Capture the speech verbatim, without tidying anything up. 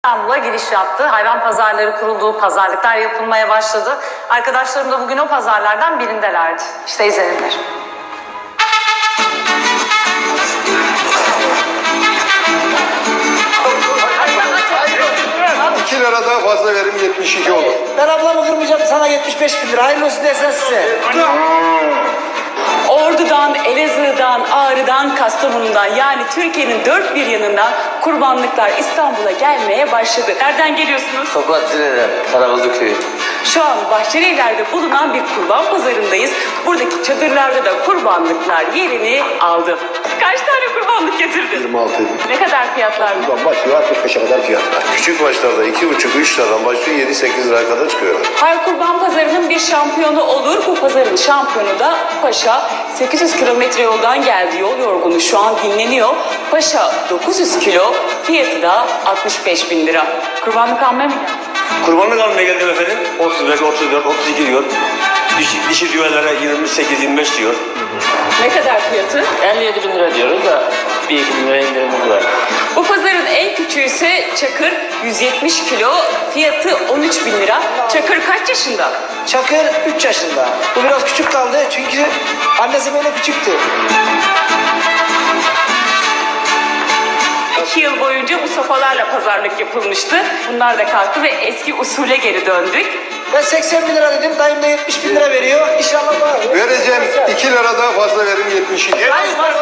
İstanbul'a giriş yaptı. Hayvan pazarları kuruldu, pazarlıklar yapılmaya başladı. Arkadaşlarım da bugün o pazarlardan birindelerdi. İşte izlenimler. iki lira daha fazla verim yetmiş iki olur. Ben ablamı kırmayacağım, sana yetmiş beş bin lira. Hayırlı olsun desen size. Ordu'dan, Elazığ'dan, Ağrı'dan, Kastamonu'dan yani Türkiye'nin dört bir yanından kurbanlıklar İstanbul'a gelmeye başladı. Nereden geliyorsunuz? Tokatlı'dan, Karabazı köyü. Şu an Bahçelievler'de bulunan bir kurban pazarındayız. Buradaki çadırlarda da kurbanlıklar yerini aldı. Kaç tane kurbanlık getirdin? yirmi altı edin. Ne kadar fiyatlar? Buradan başlıyor kırk beşe kadar fiyatlar. Küçük başlarda iki buçuk üç liradan başlıyor yedi sekiz liraya kadar çıkıyor. Her kurban pazarının bir şampiyonu olur. Bu pazarın şampiyonu da Paşa. sekiz yüz kilometre yoldan geldi. Yol yorgunu şu an dinleniyor. Paşa dokuz yüz kilo, fiyatı da altmış beş bin lira. Kurbanlık almaya mı geldin? Kurbanlık almaya geldim efendim. otuz beş, otuz dört, otuz iki diyor. Dişi, dişi düğünlere yirmi sekiz, yirmi beş diyor. Ne kadar fiyatı? elli yedi bin lira diyoruz da bir iki bin lira indirimimiz var. Bu pazarın en küçüğü ise Çakır, yüz yetmiş kilo, fiyatı on üç bin lira. Çakır kaç yaşında? Çakır üç yaşında. Bu biraz küçük kaldı çünkü annesi böyle küçüktü. İki yıl boyunca bu sopalarla pazarlık yapılmıştı. Bunlar da kalktı ve eski usule geri döndük. Ben seksen bin lira dedim, dayım da yetmiş bin lira veriyor. İnşallah var. Vereceğim iki lira daha fazla verim yetmiş iki. Hayır,